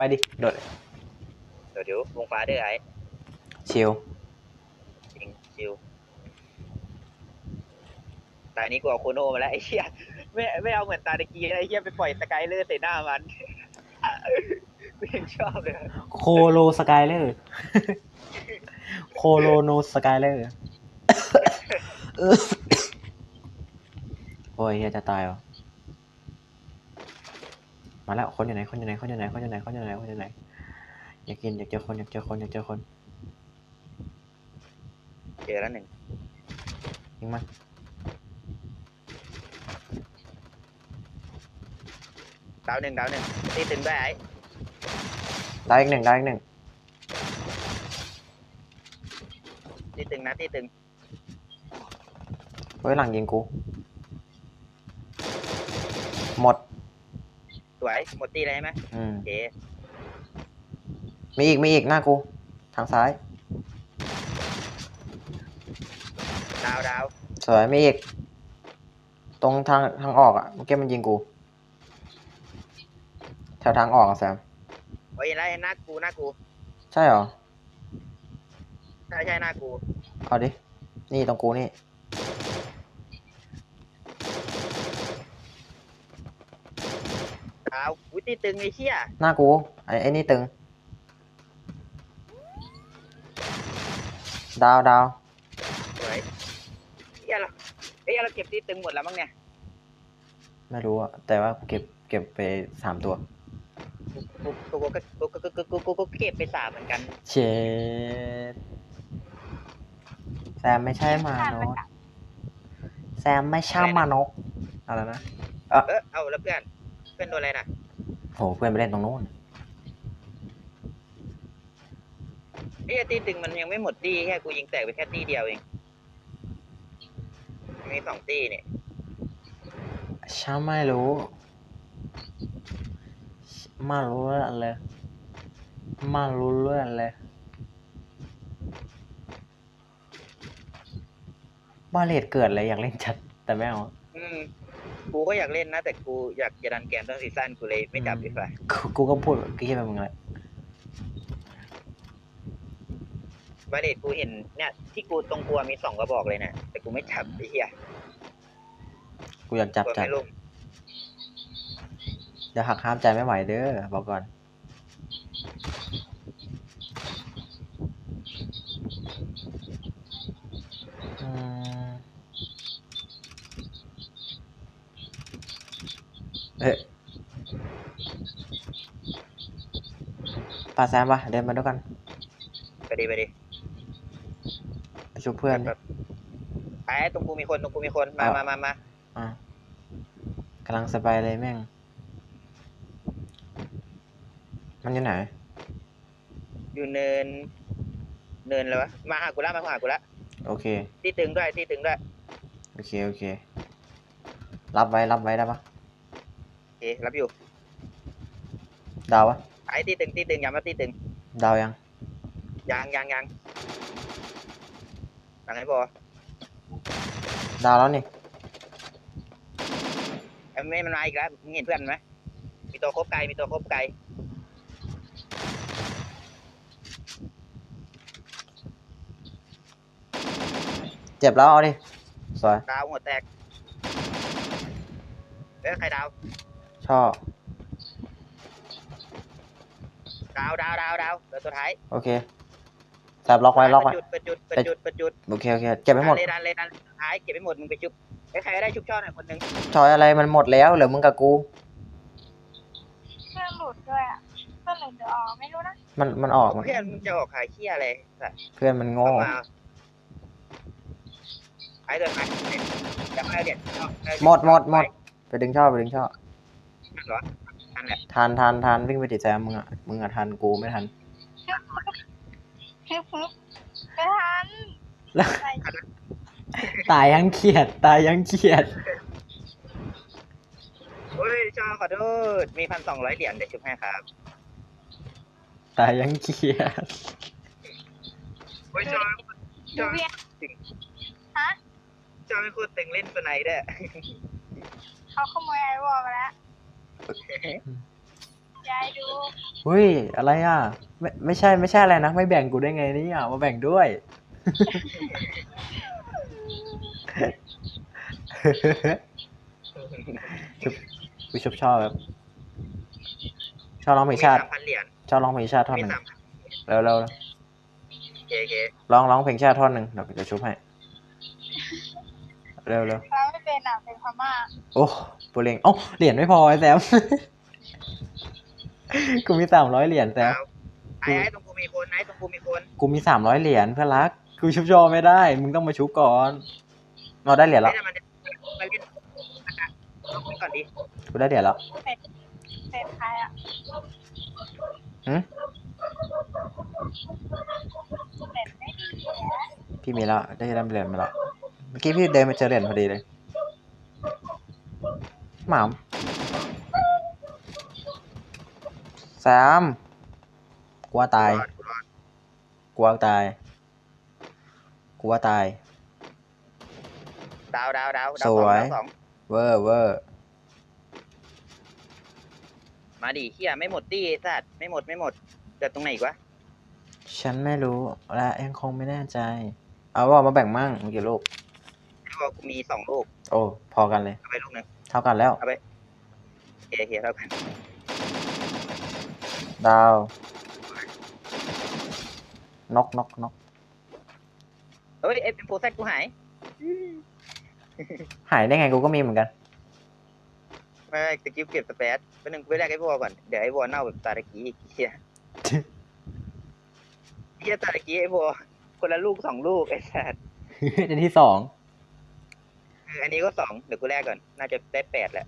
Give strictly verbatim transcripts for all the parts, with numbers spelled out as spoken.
ไปดิโดดเดี๋ยวเดี๋ยววงฟ้าด้วยไอ้ชิลจริงชิวตานี้กูเอาโคโนมาแล้วไอ้เหี้ยไม่ไม่เอาเหมือนตาตะกี้ไอ้เหี้ยไปปล่อยสกายเลอร์ใส่หน้ามันกูยังชอบเลยโคโลสกายเลอร์โคโลโนสกายเลอร์โอ้ยเฮียจะตายวะมาแล้วคนอยู่ไหนคนอยู่ไหนคนอยู่ไหนคนอยู่ไหนคนอยู่ไหนคนอยู่ไหนอยากกินอยากเจอคนอยากเจอคนอยากเจอคนเจอแล้วหนึ่งยิงมันดาวหนึ่งดาวหนึ่งตีตึงด้วยไอ้ได้อีกหนึ่งได้อีกหนึ่งตีตึงนะตีตึงเฮ้ยหลังยิงกูหมดสวยหมดตีเลยใช่ไหมอืมโอเคมีอีกมีอีกหน้ากูทางซ้ายดาวดาวสวยมีอีกตรงทางทางออกอ่ะเมื่อกี้มันยิงกูแถวทางออกอ่ะแซมโอ้ยไล่หน้ากูหน้ากูใช่เหรอใช่ใช่หน้ากูเอาดินี่ตรงกูนี่ดาวอุ้ยตีตึงไอ้เชี่ยหน้ากูไอ้ไอ้นี่ตึงดาวดาวสวยเฮียเราเฮียเราเก็บตีตึงหมดแล้วมั้งเนี่ยไม่รู้อะแต่ว่าเก็บเก็บไปสามตัวกูกูกูกูกูกูกูกูกูเก็บไปสามเหมือนกันเชดแซมไม่ใช่มานกแซมไม่ใช่มานกอะไรนะเออเออเอาแล้วเพื่อนเพื่อนโดนอะไรน่ะโหเพื่อนไปเล่นตรงโน้นไอ้ตีตึงมันยังไม่หมดตีแค่กูยิงแตกไปแค่ตีเดียวเองมีสองตีเนี่ยช่างไม่รู้ไม่รู้เรื่องเลยไม่รู้เรื่องเลยบาเลตเกิดเลยอยากเล่นจัดแต่ไม่เอาอืมกูก็อยากเล่นนะแต่กูอยากจะดันแกมต้นซีซั่นกูเลยไม่จับดีกว่ากูก็พูดกี้ไปมึงเลยบาเดตกูเห็นเนี่ยที่กูตรงกลัวมีสองกระบอกเลยนะแต่กูไม่จับไอ้เหี้ยกูอยากจับจัดเดี๋ยวหักห้ามใจไม่ไหวเด้อบอกก่อนเฮ้ยปาแซมปะเดินมาด้วยกันไปดิไปดิไปช่วยเพื่อนแบบไอ้ตรงกูมีคนตรงกูมีคนมามามามาอ่ะกำลังสบายเลยแม่งมันอยู่ไหนอยู่เนินเนินเลยวะมาหากูละมาหากูละโอเคตีตึงด้วยตีตึงด้วยโอเคโอเครับไว้รับไว้ได้ปะโอเครับอยู่ดาวปะไอ้ตีตึงตีตึงย้ำว่าตีตึงดาวยังยังยังยังยังไงบอดาวแล้วนี่ไอ้ไม่มันมาอีกแล้วมึงเห็นเพื่อนไหมมีตัวคบไกลมีตัวคบไกลเจ็บแล้วเอาดิสวยดาวหัวแตกเอ้ยใครดาวชอบดาวดาวดาวดาวเหลือตัวท้ายโอเคแซบล็อกไว้ล็อกไว้ประจุดประจุดประจุดโอเคโอเคเก็บไปหมดเลยดันเลยดันท้ายเก็บไปหมดมึงไปชุบใครได้ชุบช่อหน่อยคนนึงชอยอะไรมันหมดแล้วเหลือมึงกับกูเพื่อนหลุดด้วยอ่ะเพื่อนหลุดเดี๋ยวออกไม่รู้นะมันมันออกเพื่อนมึงจะออกขายเขี้ยอะไรเพื่อนมันโง่ไอ้เดินไปจะไม่เด็ดหมดหมดหมดไปดึงช่อไปดึงช่อเหรอทันแหละทันทันทันวิ่งไปติดแซมมึงอ่ะมึงอ่ะทันกูไม่ทันฮึบฮึบไม่ทันตายยังเขียดตายยังเขียดโอ้ยชอขอโทษมีพันสองร้อยเหรียญเดี๋ยวชุบให้ครับตายยังเขียดโอ้ยชอชอตึงฮะชอไม่พูดตึงเล่นตัวไหนเด้อเขาขโมยไอวอลมาแล้วยายดูเฮ้ยอะไรอ่ะไม่ไม่ใช่ไม่ใช่อะไรนะไม่แบ่งกูได้ไงเนี่ยมาแบ่งด้วย ชุบกูชอบชอบแบบชอบร้องเพลมีงชาติสามพันเหรียญชอบร้องเพลงชาติท่อนมีหนึ่งสามพันเร็วเร็วเคเคร้องร้องเพลงชาติท่อนหนึ่งเดี๋ยวกูจะชุบให้เร็วเร็วเราไม่เป็นอ่ะเป็นพม่าโอ้ปูเรงโอ้าเหรียญไม่พอไอ้แซม กูมีสามร้อยเหรียญแซมไอ้ไอ้ตรงกูมีคนไอ้ตรงกูมีคนกูมีสามร้อยเหรียญเพื่อนรักกูชุบจอไม่ได้มึงต้องมาชุบก่อนเราได้เหรียญแล้วเล่นมันมาเล่นเอาคนก่อนดิกูได้เหรียญแล้วเป็ดเป็ดใครอ่ะหืมเป็ดไม่ดีนะพี่มีแล้วได้ได้เหรียญมาแล้วเมื่อกี้พี่เดินมาเจอเหรียญพอดีเลยหมามแซมกลัวตายรอดกูรอดกลัวตายกลัวตายดาวดาวดาวดาวสสองวยดาวสองเวอร์เวอร์มาดิเฮียไม่หมดดิสัตว์ไม่หมดไม่หมดเกิดตรงไหนอีกวะฉันไม่รู้และยังคงไม่แน่ใจ เอาว่ามาแบ่งมั่งเมื่อกี้ลูกไอ้บอกกูมีสองลูกโอ้ พอกันเลยเอาไปลูกหนึงเท่ากันแล้วเอาไปเคเคเท่ากันดาว นกนกนกเฮ้ยเอฟเป็นโปรเซสกูหายหายได้ไงกูก็มีเหมือนกันไม่ไม่ตะกี้เก็บสเปซเป็นหนึ่งกูไปแรกไอ้วอลก่อนเดี๋ยวไอ้วอลเน่าแบบตาตะกี้อีกเฮียเฮียตาตะกี้ไอ้วอลคนละลูกสองลูกไอ้สัตว์ในที่สองเอออันนี้ก็สองเดี๋ยวกูแรกก่อนน่าจะได้แปดแหละ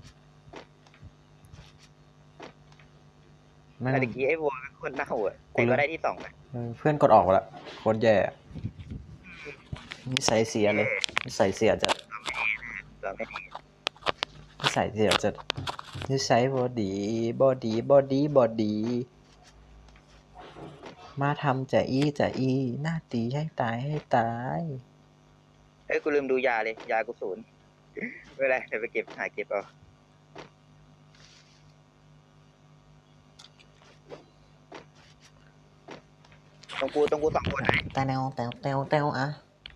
ไม่ตาตะกี้ไอ้วอลคนเน่าอ่ะแต่ก็ได้ที่สองอ่ะเออเพื่อนกดออกแล้วโคตรแย่นิสัยเสียเลยนิสัยเสียจัดก็ไม่ดีนิสัยเสียจัดนิสัยบอดีบอดีบอดีบอดี มาทำจะอีจะอีหน้าตีให้ตายให้ตายเอ้ยกูลืมดูยาเลยยากูศูนย์ ไม่เป็นไรเดี๋ยวไปเก็บหาเก็บเอาตรงกูตรงกูสองคนไหนแต่แนวแต่แนวแต่อะ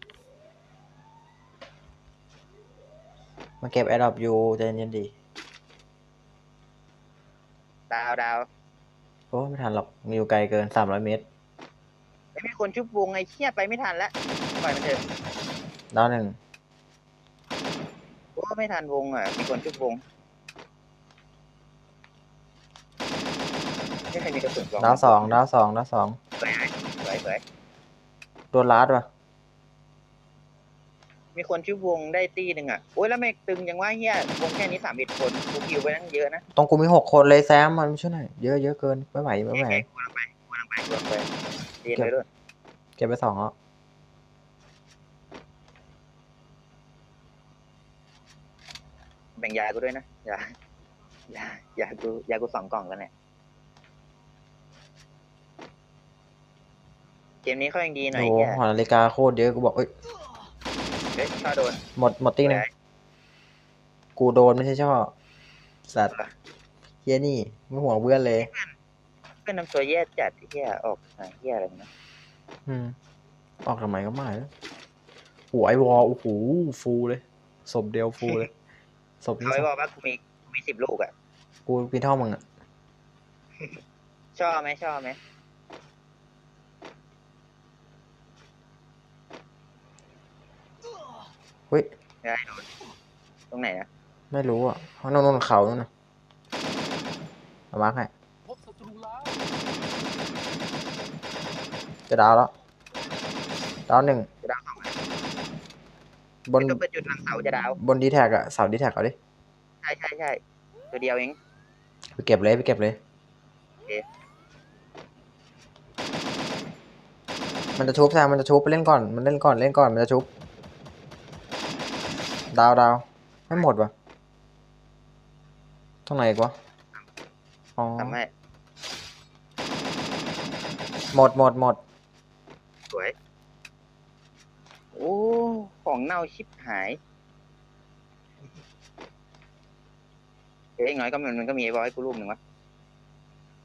มาเก็บแอร์ดรอปอยู่ใจเย็นๆดีดาวดาวโอ้ไม่ทันหรอกมีอยู่ไกลเกินสามร้อยเมตรไม่มีคนชุบวงไอ้เชี่ยไปไม่ทันแล้วปล่อยมันเถอะดาวหนึ่งโอ้ไม่ทันวงอ่ะมีคนชุบวงไม่เคยมีกระสุนดาวสองดาวสองดาวสองสวยสวยสวยโดนลาดว่ะมีคนชุบวงได้ตีหนึ่งอ่ะโอ้ยแล้วไม่ตึงยังว่าเฮียวงแค่นี้สามเอ็ดคนกูคิวไปตั้งเยอะนะตรงกูมีหกคนเลยแซมมันไม่ใช่หน่อยเยอะเยอะเกินไม่ไหวไม่ไหวกูกำลังไปกูกำลังไปกูกำลังไปเรียนไปด้วยเก็บไปสองแล้วแบ่งยากูด้วยนะยายายากูยากูสองกล่องแล้วเนี่ยเกมนี้เขายังดีหน่อยโอ้โหแค่หอนาฬิกาโคตรเยอะกูบอกเอ้ยเฮ้ยช่อโดนหมดหมดตีหนึงกูโดนไม่ใช่ช่อสัตว์เฮียนี่ไม่ห่วงเพื่อนเลยเพื่อนนำตัวแย่จัดเฮียออกหาเฮียอะไรนะอืมออกทำไมก็ไม่แล้วหัวไอวอลโอ้โหฟูเลยศพเดียวฟูเลยศพนี้เขาศไว้พบอกว่ากูมีกูมีสิบลูกอ่ะกูปีนเท่ามึงอ่ะชอบไหมชอบไหมเฮ้ยได้โดนตรงไหนนะไม่รู้อ่ะข้างโน้นเขาโน่นนะเอามาร์คให้จะดาวแล้วดาวหนึ่งจะดาวสองอ่ะบนก็เป็นจุดหลังเสาจะดาวบนดีแท็กอะเสาดีแท็กเอาดิใช่ใช่ใช่ตัวเดียวเองไปเก็บเลยไปเก็บเลยโอเคมันจะชุบแซมมันจะชุบไปเล่นก่อนมันเล่นก่อนเล่นก่อนมันจะชุบดาวดาวไม่หมดวะตรงไหนอีกวะอ๋อทำให้หมดหมดหมดสวยโอ้ของเน่าชิบหายเอ้ยอย่างน้อยก็มันมันก็มีไอ้บอยกูรูปหนึ่งวะ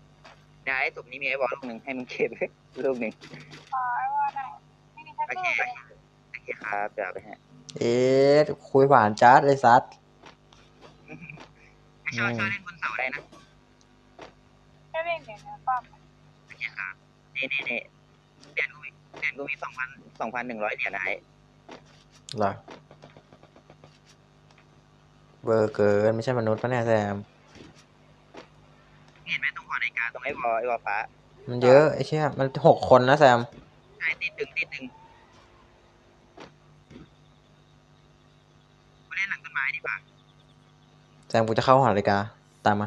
ได้ศพนี้มีไอ้บอลลูกหนึ่งให้มึงเก็บ ลูกหนึ่งอ๋อไอ้ว่าไหนไม่มีสักโอลูเคกเลยโอเคครับเดี๋ยวเอาไปให้เอ๊ะคุยผ่านจัดเลยซัดไม่ชอบชอบเล่นบนเสาได้นะก็เล่นเดี๋ยวเดี๋ยวป้อมโอเคครับนี่นี่นี่เหรียญกูมีเหรียญกูมีสองพันสองพันหนึ่งร้อยเหรียญนะไอ้เหรอเบอร์เกินไม่ใช่มนุษย์ปะเนี่ยแซมเห็นไหมตรงหอนาฬิกาตรงไอ้บอลไอ้บอลฟ้ามันเยอะไอ้เชี่ยมันหกคนนะแซมใช่ติดตึงติดตึงกูเล่นหลังต้นไม้ดีกว่าแซมกูจะเข้าหอนาฬิกาตามมา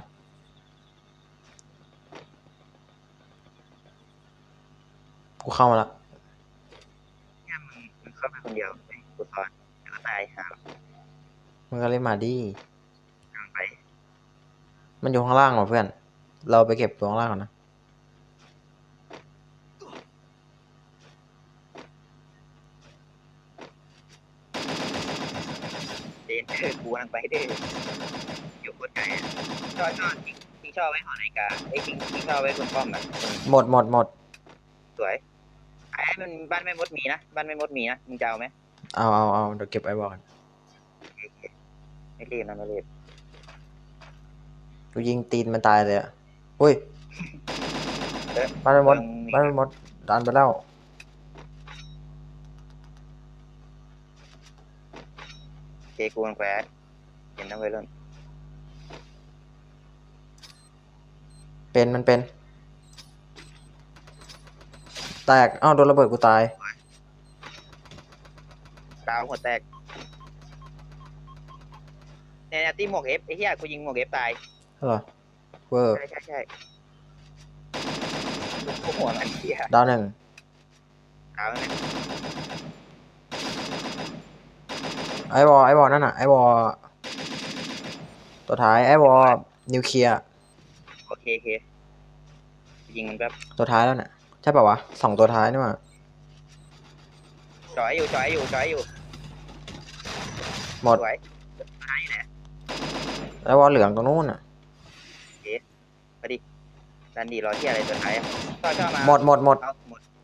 กูเข้ามาละแค่มึงมึงเข้าไปคนเดียวไปกูซ้อนแล้วก็ตายหามึงก็เล่นมาดิทางไปมันอยู่ข้างล่างว่ะเพื่อน เราไปเก็บตัวข้างล่างก่อนนะเดนเดอร์กูกำลังไปเด้ออยู่โคตรไกลอ่ะชอบชอบทิ้งทิ้งชอบไว้หอนาฬิกาไอ้ยทิ้งทิ้งชอบไว้บนป้อมอ่ะหมดหมดหมดสวยไอ้มันบ้านแม่มดมีนะบ้านแม่มดมีนะมึงจะเอาไหมเอาเอาเอาเดี๋ยวเก็บไอ้บอลไม่รีบนะไม่รีบกูยิงตีนมันตายเลยอ่ะอุ้ยเออบ้านมันหมดมึงบ้านมันหมดดันไปแล้วเจกูมันแควเห็นนะเว้ยรุ่นเป็นมันเป็น แตกอ้าวโดนระเบิดกูตายดาวหัวแตกเนี่ยเนี่ยตีหมวกเอฟไอ้เหี้ยกูยิงหมวกเอฟตายเหรอเวอร์ใช่ใช่ใช่กูหัวมันเหี้ยดาวหนึ่งดาวเนี่ยไอ้บอลไอ้บอลนั่นน่ะไอ้บอลตัวท้ายไอ้บอลนิวเคลียร์โอเคโอเคยิงมันแบบตัวท้ายแล้วเนี่ยใช่ป่าวะสองตัวท้ายนี่หว่าจ่อยอยู่จ่อยอยู่จ่อยอยู่หมดสวยตายอยู่แหละไอ้บอลเหลืองตรงนู้นอ่ะมาดิดันดีรอเที่ยอะไรตัวท้ายอ่ะชอบชอบมาหมดหมดหมดเอาหมด